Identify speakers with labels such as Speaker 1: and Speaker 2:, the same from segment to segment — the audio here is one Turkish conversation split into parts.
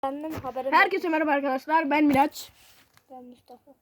Speaker 1: Herkese merhaba arkadaşlar. Ben Miraç.
Speaker 2: Ben Mustafa.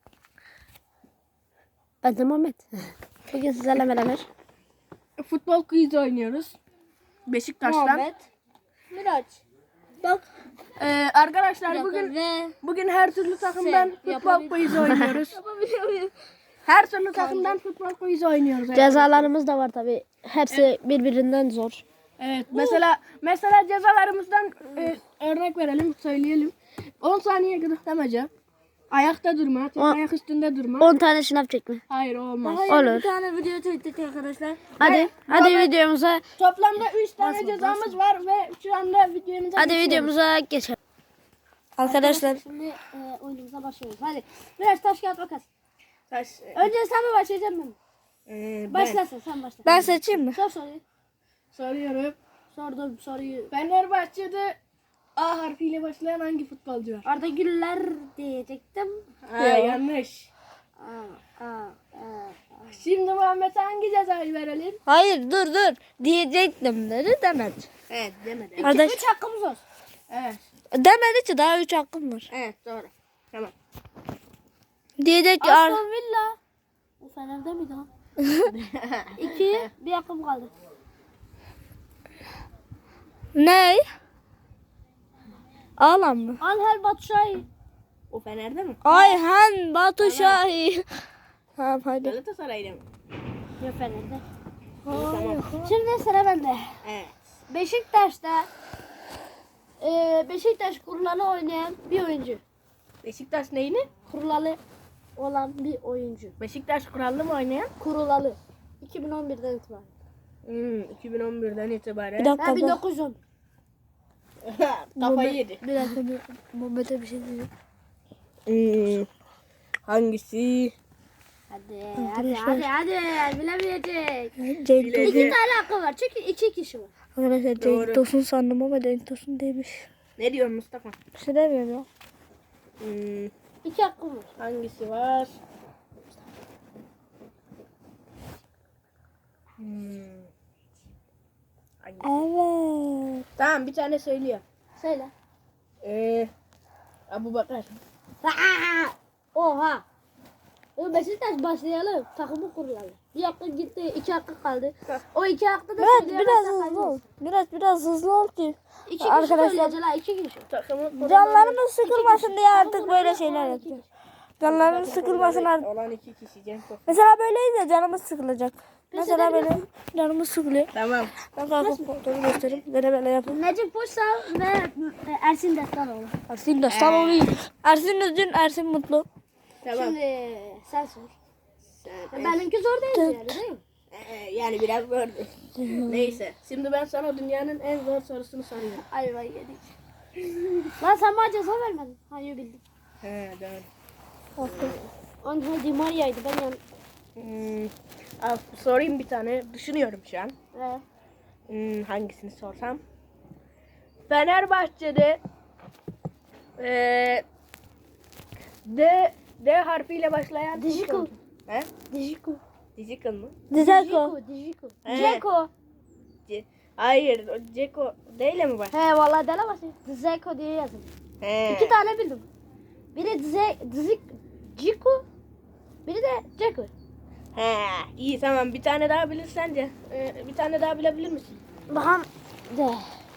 Speaker 2: Ben de Muhammed. Bugün sizlerle beraber
Speaker 1: Futbol quiz oynuyoruz. Beşiktaş'tan.
Speaker 2: Muhammed, Miraç. Bak.
Speaker 1: Arkadaşlar bugün her türlü takımdan futbol quiz oynuyoruz. Her türlü takımdan futbol quiz oynuyoruz.
Speaker 2: Cezalarımız da var tabi. Hepsi birbirinden zor.
Speaker 1: Evet. Mesela cezalarımızdan örnek verelim, söyleyelim. 10 saniye gıdıklamaca. Ayakta durma, ayak üstünde durma.
Speaker 2: 10 tane şınav çekme.
Speaker 1: Hayır, olmaz.
Speaker 2: Olur.
Speaker 3: Bir tane video çektik arkadaşlar.
Speaker 2: Hadi videomuza.
Speaker 1: Toplamda 3 tane cezamız var ve şu anda videomuza
Speaker 2: Hadi
Speaker 1: geçiyoruz.
Speaker 2: videomuza geçelim. Arkadaşlar.
Speaker 3: Şimdi oyunumuza başlıyoruz. Hadi. Biraz taş kağıt makas.
Speaker 1: Taş-
Speaker 3: Önce sen mi başlayacaksın ben? Başlasın sen başla.
Speaker 2: Ben seçeyim mi?
Speaker 3: Sor soruyu.
Speaker 1: Soruyorum.
Speaker 3: Sordum soruyu.
Speaker 1: Fenerbahçe'de A harfiyle başlayan hangi futbolcu var?
Speaker 3: Arda Güler diyecektim.
Speaker 1: Yanlış.
Speaker 3: Aa.
Speaker 1: Şimdi Muhammed'e hangi cezayı verelim?
Speaker 2: Hayır dur. Diyecektim dedi demedi.
Speaker 1: Evet, demedi.
Speaker 2: Kardeş
Speaker 3: 3 hakkımız olsun.
Speaker 1: Evet,
Speaker 2: demedi ki daha 3 hakkım var.
Speaker 1: evet doğru. Tamam.
Speaker 2: Diyecek ki
Speaker 3: Aston Villa. O Fener'de miydi ha? 2. Bir hakkım kaldı.
Speaker 2: ne? Ağlam mı?
Speaker 3: Angel Batshuayi.
Speaker 1: O Fener'de mi?
Speaker 2: Ayhan Batu Şahin. Tamam hadi.
Speaker 1: Galatasaray'da mı?
Speaker 3: Yok Fener'de.
Speaker 1: Tamam.
Speaker 3: Şimdi sıra bende.
Speaker 1: Evet.
Speaker 3: Beşiktaş'ta Beşiktaş kurulalı oynayan bir oyuncu.
Speaker 1: Beşiktaş neyini?
Speaker 3: Kurulalı olan bir oyuncu.
Speaker 1: Beşiktaş kurallı mı oynayan?
Speaker 3: Kurulalı. 2011'den itibaren.
Speaker 1: 2011'den itibaren.
Speaker 2: Bir dakika.
Speaker 3: Ha 1910.
Speaker 1: Kafayı yedi.
Speaker 2: Bir dakika. Muhammed'e bir şey diyeceğim.
Speaker 1: Hangisi?
Speaker 3: Hadi bilemeyecek.
Speaker 2: Cenk
Speaker 3: İki
Speaker 2: Tosun.
Speaker 3: tane hakkı var çünkü 2 kişi var.
Speaker 2: Arkadaşlar
Speaker 1: Doğru.
Speaker 2: Cenk Tosun sandım ama Cenk Tosun değilmiş.
Speaker 1: Ne diyorsun Mustafa?
Speaker 2: Bir şey demiyorum ya.
Speaker 3: 2 hakkım var.
Speaker 1: Hangisi var? Hangisi?
Speaker 2: Evet.
Speaker 1: Tamam, bir tane söylüyor.
Speaker 3: Söyle.
Speaker 1: Abubakar.
Speaker 3: Oha. Beşiktaş başlayalım. Takımı kurulalı. Bir hakkı gitti. 2 hakkı kaldı. O 2 hakkı da
Speaker 2: Biraz
Speaker 3: söyleyemezsen
Speaker 2: hızlı ol.
Speaker 3: kaybedersin.
Speaker 2: Biraz hızlı ol ki.
Speaker 3: 2 kişi
Speaker 2: Arkadaşlar-
Speaker 3: söyleyeceksin ha. 2 kişi.
Speaker 1: Takımı kurulu
Speaker 2: Canlarımız sıkılmasın diye artık böyle
Speaker 3: Kurulalı
Speaker 2: şeyler
Speaker 3: olan iki
Speaker 2: yapıyor.
Speaker 3: kişi.
Speaker 2: Canlarımız sıkılmasın artık.
Speaker 1: olan 2 kişi Cenk Tosun.
Speaker 2: Mesela böyleyiz de canımız sıkılacak. Mesela böyle canımız sıkılıyor.
Speaker 1: Tamam.
Speaker 2: Ben kalkıp kontrolü göstereyim. Böyle yapın.
Speaker 3: Necip Uysal ve Ersin Destanoğlu.
Speaker 2: Ersin de sağ olayım. Ersin üzgün, Ersin mutlu.
Speaker 1: Tamam.
Speaker 3: Şimdi sen sor.
Speaker 1: Sen-
Speaker 3: Benimki zor değil yani değil mi?
Speaker 1: Yani biraz zordu. Neyse. Şimdi ben sana dünyanın en zor sorusunu soruyorum.
Speaker 3: Ay vay yedik. Lan sen bana ceza vermedin. Hayır bildim.
Speaker 1: He, doğru.
Speaker 3: Angel Di Maria'ydı ben yan.
Speaker 1: Sorayım bir tane. Düşünüyorum şu an.
Speaker 3: Ee,
Speaker 1: Hangisini sorsam? Fenerbahçe'de D harfiyle başlayan
Speaker 3: Dijiko.
Speaker 1: futbolcu. He?
Speaker 3: Dijiko.
Speaker 1: Dijikon mu?
Speaker 2: Dzeko.
Speaker 3: Dijiko.
Speaker 1: He.
Speaker 3: Dzeko.
Speaker 1: Hayır, Ceko değil mi var?
Speaker 3: He vallahi dele basın. Dzeko diye yazın.
Speaker 1: He.
Speaker 3: 2 tane bildim. Biri Dziko. Biri de Dzeko.
Speaker 1: He. İyi, tamam, bir tane daha bilirsen de bir tane daha bilebilir misin?
Speaker 3: Bakalım. De.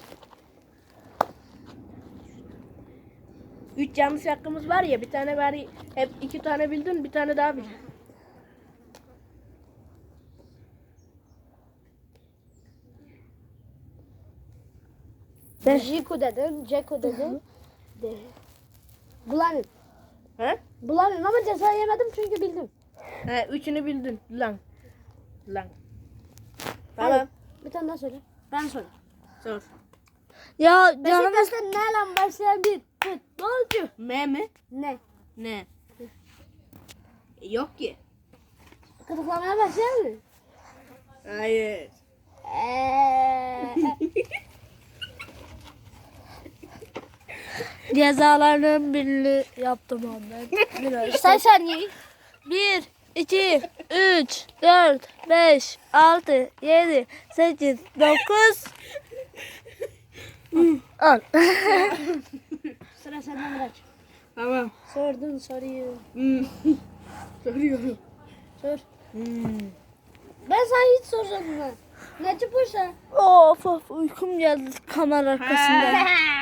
Speaker 1: 3 yanlış hakkımız var ya, bir tane bari hep 2 tane bildin, bir tane daha bil.
Speaker 3: Dijiko dedim. Dzeko dedim. De. Bulanın.
Speaker 1: He?
Speaker 3: Bulanın ama ceza yemedim çünkü bildim.
Speaker 1: He, üçünü bildin. Lan. Tamam.
Speaker 3: Bir tane daha söyle. Ben söyle.
Speaker 1: Sor.
Speaker 2: Ya canımız
Speaker 3: Beşiktaş'ta ne lan başlayan bir futbolcu?
Speaker 1: M mi?
Speaker 3: Ne?
Speaker 1: Ne? Yok ki.
Speaker 3: Kırıklamaya başlayan mı?
Speaker 1: Hayır.
Speaker 2: cezalarının birini yaptım Muhammed.
Speaker 3: Say saniyeyi.
Speaker 2: 1, 2, 3, 4, 5, 6, 7, 8, 9, 10.
Speaker 1: Tamam.
Speaker 3: Sordun soruyu.
Speaker 1: Soruyorum.
Speaker 3: Sor. Ben sana hiç sormadım ha. Necip Hoca.
Speaker 2: Of of uykum geldi kamera arkasında.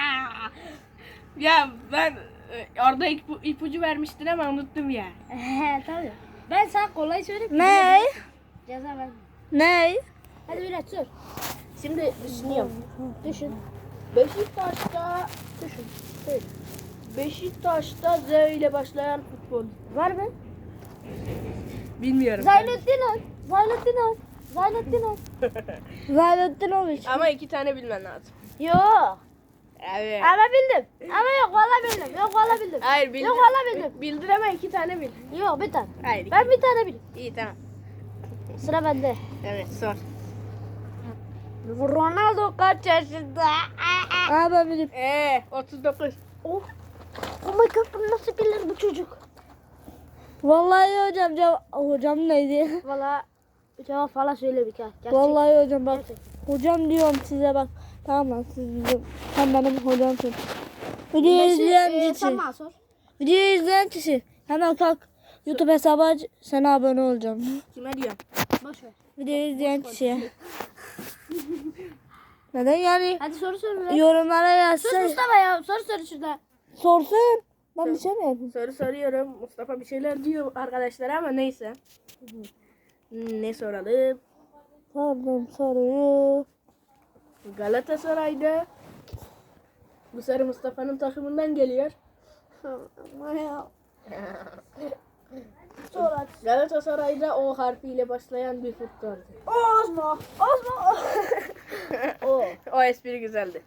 Speaker 1: Ya ben orada ipucu vermiştin ama unuttum ya.
Speaker 3: Tabii. Ben sana kolay söyleyeyim.
Speaker 2: Ne?
Speaker 3: Ceza verme.
Speaker 2: Ne?
Speaker 3: Hadi biraz sor.
Speaker 1: Şimdi düşünüyorum.
Speaker 3: Düşün.
Speaker 1: Beşiktaş'ta
Speaker 3: Düşün. Söyle.
Speaker 1: Beşiktaş'ta Z ile başlayan futbol.
Speaker 3: Var mı?
Speaker 1: Bilmiyorum.
Speaker 3: Zaynettin
Speaker 2: Zaynuddinovic.
Speaker 1: Ama 2 tane bilmen lazım.
Speaker 3: Yok.
Speaker 1: Evet.
Speaker 3: Ama bildim. Ama yok valla bildim. Yok valla bildim.
Speaker 1: Hayır bildir.
Speaker 3: Yok valla bildim.
Speaker 1: Bildir ama 2 tane bil.
Speaker 3: Yok bir tane.
Speaker 1: Hayır.
Speaker 3: Ben bir tane bildim.
Speaker 1: İyi tamam.
Speaker 3: Sıra bende.
Speaker 1: Evet sor.
Speaker 3: Ronaldo kaç yaşında?
Speaker 2: Aa ben bilirim.
Speaker 1: 39.
Speaker 3: Oh. Oh my god bunu nasıl bilir bu çocuk?
Speaker 2: Vallahi hocam neydi?
Speaker 3: Valla cevap falan söyle bir kere. Gerçek.
Speaker 2: Vallahi hocam bak.
Speaker 3: Gerçek.
Speaker 2: Hocam diyorum size bak. Tamam lan siz bizim. Sen benim hocamsın. Video izleyen kişi.
Speaker 3: Sen bana sor.
Speaker 2: Video izleyen kişi. Hemen kalk. YouTube hesabı aç. Sana abone olacağım.
Speaker 1: Kime diyorum?
Speaker 3: Boş ver.
Speaker 2: Video izleyen kişiye. Neden yani?
Speaker 3: Hadi soru sor be.
Speaker 2: Yorumlara
Speaker 3: Sus
Speaker 2: yazsın.
Speaker 3: Mustafa ya. Soru şurada.
Speaker 2: Sorsun. Ben bir şey mi yapayım?
Speaker 1: Soru soruyorum. Mustafa bir şeyler diyor arkadaşlara ama neyse. Ne soralım?
Speaker 2: Sordum soruyu.
Speaker 1: Galatasaray'da bu sarı Mustafa'nın takımından geliyor.
Speaker 3: Sor hadi.
Speaker 1: Galatasaray'da O harfiyle başlayan bir futbolcu.
Speaker 3: Ozmo.
Speaker 1: O espri güzeldi.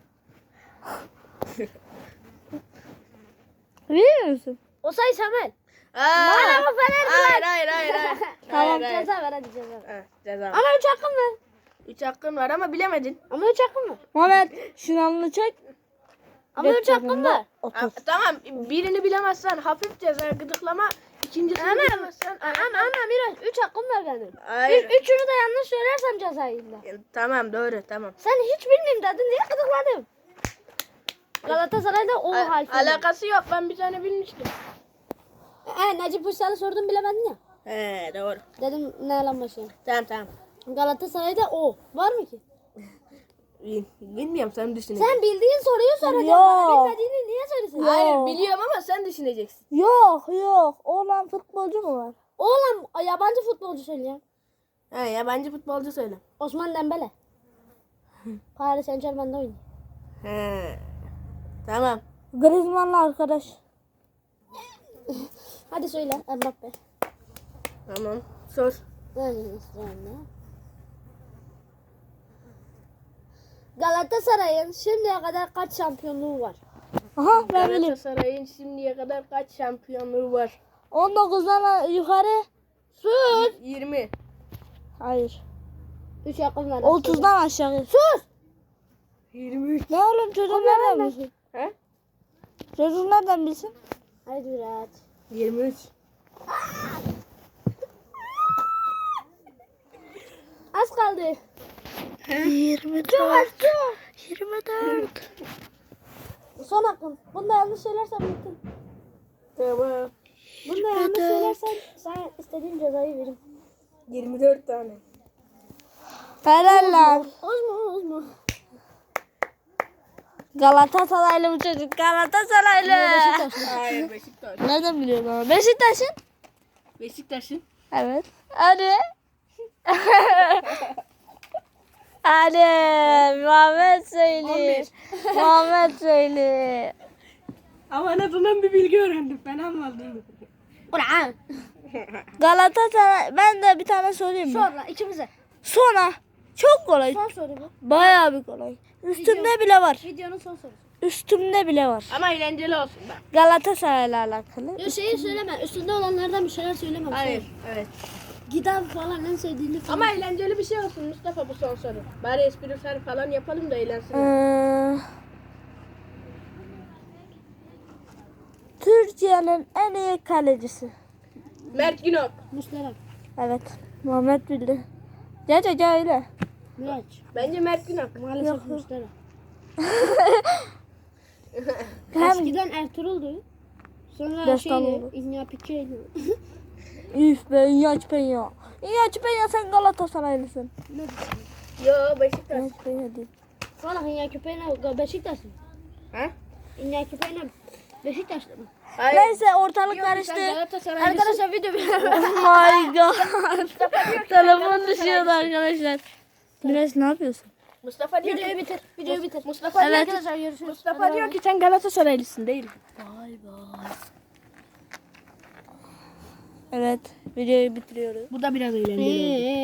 Speaker 2: Biliyor musun?
Speaker 3: Osay Samuel.
Speaker 1: Bana
Speaker 3: mı Fener
Speaker 1: hayır.
Speaker 3: Tamam
Speaker 1: Hayır.
Speaker 3: ceza ver hadi ceza ver.
Speaker 1: Ha, ceza.
Speaker 3: Ama 3 hakkım var.
Speaker 1: 3 hakkın var ama bilemedin.
Speaker 3: Ama 3 hakkım var.
Speaker 2: Muhammed şınavını çek.
Speaker 3: Ama 3 hakkım var.
Speaker 1: Ha, tamam birini bilemezsen hafif ceza gıdıklama. İkincisini bilemezsen.
Speaker 3: Ama biraz 3 hakkım var benim.
Speaker 1: Hayır.
Speaker 3: Üçünü de yanlış söylersem ceza yiyeyim.
Speaker 1: Tamam doğru tamam.
Speaker 3: Sen hiç bilmeyeyim dedin niye gıdıkladın? Galatasaray'da O harfi.
Speaker 1: Alakası yok ben bir tane bilmiştim.
Speaker 3: Necip Uysal'ı sordum bilemedin ya.
Speaker 1: He doğru.
Speaker 3: Dedim ne lan başlayayım.
Speaker 1: Tamam.
Speaker 3: Galatasaray'da O. Var mı ki?
Speaker 1: Bilmiyorum sen düşün.
Speaker 3: Sen bildiğin soruyu soracaksın.
Speaker 2: Yok.
Speaker 3: Bana bilmediğini niye söylesin?
Speaker 1: Hayır biliyorum ama sen düşüneceksin.
Speaker 2: Yok. Oğlan futbolcu mu var?
Speaker 3: Oğlum yabancı futbolcu söyleyeyim.
Speaker 1: He yabancı futbolcu söyle.
Speaker 3: Osman Dembele. Paris Saint-Germain'de oynuyor.
Speaker 1: He. Tamam.
Speaker 2: Griezmann'la arkadaş.
Speaker 3: Hadi söyle Mbappe.
Speaker 1: Tamam. Sor.
Speaker 3: Galatasaray'ın şimdiye kadar kaç şampiyonluğu var?
Speaker 2: Aha ben bilirim.
Speaker 1: Galatasaray'ın şimdiye kadar kaç şampiyonluğu var?
Speaker 2: 19'dan yukarı.
Speaker 3: Sus.
Speaker 1: 20.
Speaker 2: Hayır.
Speaker 3: 3 hakkım var.
Speaker 2: 30'dan aşağı.
Speaker 3: Sus.
Speaker 1: 23.
Speaker 2: Ne oğlum çocuk nereden bilsin?
Speaker 1: He?
Speaker 2: Çocuk nereden bilsin?
Speaker 3: Hadi biraz.
Speaker 1: 23.
Speaker 3: Az kaldı.
Speaker 2: 24. 24.
Speaker 3: Son hakkın. Bunda yanlış söylersen bittin.
Speaker 1: Tamam.
Speaker 3: Bunda yanlış söylersen sana istediğin cezayı veririm.
Speaker 1: 24 tane.
Speaker 2: Helal lan.
Speaker 3: Ozma.
Speaker 2: Galatasaraylı bu çocuk. Galatasaraylı.
Speaker 1: Hayır Beşiktaş.
Speaker 2: Nereden biliyorsun ama? Beşiktaş'ın?
Speaker 1: Beşiktaş'ın.
Speaker 2: Evet. Hadi. Hadi. Muhammed söyle. Muhammed söyle.
Speaker 1: Ama en azından bir bilgi öğrendim. Ben anladım.
Speaker 3: Ulan.
Speaker 2: Galatasaray. Ben de bir tane sorayım mı?
Speaker 3: Sonra ikimize.
Speaker 2: Sonra. Çok kolay.
Speaker 3: Son soru bu.
Speaker 2: Bayağı bir kolay. Üstümde bile var.
Speaker 3: Videonun son sorusu.
Speaker 2: Üstümde bile var.
Speaker 1: Ama eğlenceli olsun bak.
Speaker 2: Galatasaray'la alakalı.
Speaker 3: Yok şeyi söyleme. Üstünde olanlardan bir şeyler söyleme.
Speaker 1: Hayır. Evet.
Speaker 3: Giden falan en sevdiğini falan.
Speaker 1: Ama eğlenceli bir şey olsun Mustafa bu son soru. Bari esprisel falan yapalım da eğlensin.
Speaker 2: Türkiye'nin en iyi kalecisi.
Speaker 1: Mert Günok.
Speaker 3: Muslera.
Speaker 2: Evet. Muhammed bildi. Gerçekten öyle.
Speaker 3: Miraç.
Speaker 1: Bence Mert Günok.
Speaker 3: Maalesef Muslera.
Speaker 2: Hem
Speaker 3: Eskiden Ertuğrul'du. Sonra
Speaker 2: Destan
Speaker 3: şeyle
Speaker 2: oldu.
Speaker 3: İnya Pike'yle.
Speaker 2: Üf be İnyaç Penya. İnyaç Penya sen Galatasaraylısın.
Speaker 1: Yo Beşiktaş.
Speaker 2: İnyaç Penya değil.
Speaker 3: Sonra İnya Köpeğine Beşiktaş mı?
Speaker 1: Ha?
Speaker 3: İnya Köpeğine Beşiktaş'ta mı?
Speaker 1: Hayır.
Speaker 2: Neyse ortalık
Speaker 1: Yok, sen
Speaker 2: karıştı.
Speaker 1: Galatasaraylısın.
Speaker 3: Arkadaşlar video
Speaker 2: Oh my god. Telefon düşüyordu arkadaşlar. Güneş ne yapıyorsun?
Speaker 1: Mustafa diyor
Speaker 3: Videoyu
Speaker 1: ki
Speaker 3: bitir. Videoyu bitir.
Speaker 1: Mustafa diyor
Speaker 2: Evet.
Speaker 1: ki
Speaker 3: Arkadaşlar görüşürüz.
Speaker 1: Mustafa diyor ki sen Galatasaraylısın değil mi?
Speaker 2: Bay bay. Evet videoyu bitiriyoruz.
Speaker 1: Bu da biraz eğlenceli oldu.